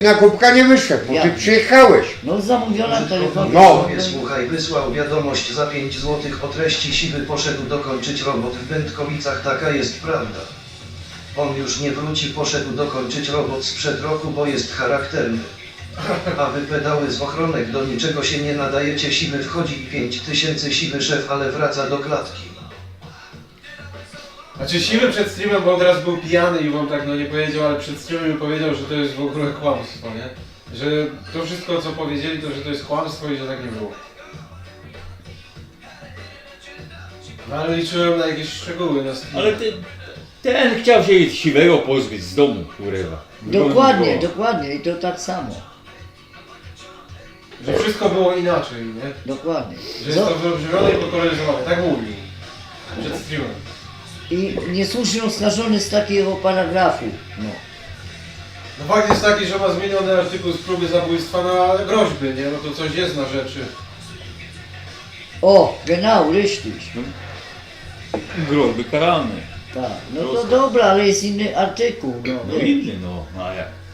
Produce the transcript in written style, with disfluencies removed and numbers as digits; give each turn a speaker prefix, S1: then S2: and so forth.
S1: Na kubka nie wyszedł, bo ty
S2: Jak?
S1: przyjechałeś.
S2: No zamówiona telefonem.
S1: No.
S3: Słuchaj, wysłał wiadomość za 5 złotych o treści siwy poszedł dokończyć robot w Wędkowicach, taka jest prawda. On już nie wróci, poszedł dokończyć robot sprzed roku, bo jest charakterny. A wy pedały z ochronek do niczego się nie nadajecie, siwy wchodzi 5000 siwy szef, ale wraca do klatki.
S4: Znaczy siwy przed streamem, bo on teraz był pijany i wam tak no nie powiedział, ale przed streamem mi powiedział, że to jest w ogóle kłamstwo, nie? Że to wszystko co powiedzieli, to że to jest kłamstwo i że tak nie było. No ale liczyłem na jakieś szczegóły na streamie.
S5: Ale ten chciał się siwego pozbyć z domu, kurwa.
S2: Dokładnie, dokładnie i to tak samo.
S4: Że wszystko było inaczej, nie?
S2: Dokładnie.
S4: Że jest to wybrzmione i pokoloryzowane, tak mówił. Przed streamem.
S2: I niesłusznie oskarżony z takiego paragrafu. No.
S4: No fakt jest taki, że ma zmieniony artykuł z próby zabójstwa na groźby, nie? No to coś jest na rzeczy.
S2: O, genau, richtig.
S5: Groźby karalne.
S2: Tak, no to dobra, ale jest inny artykuł. No,
S5: No inny, no. A jak?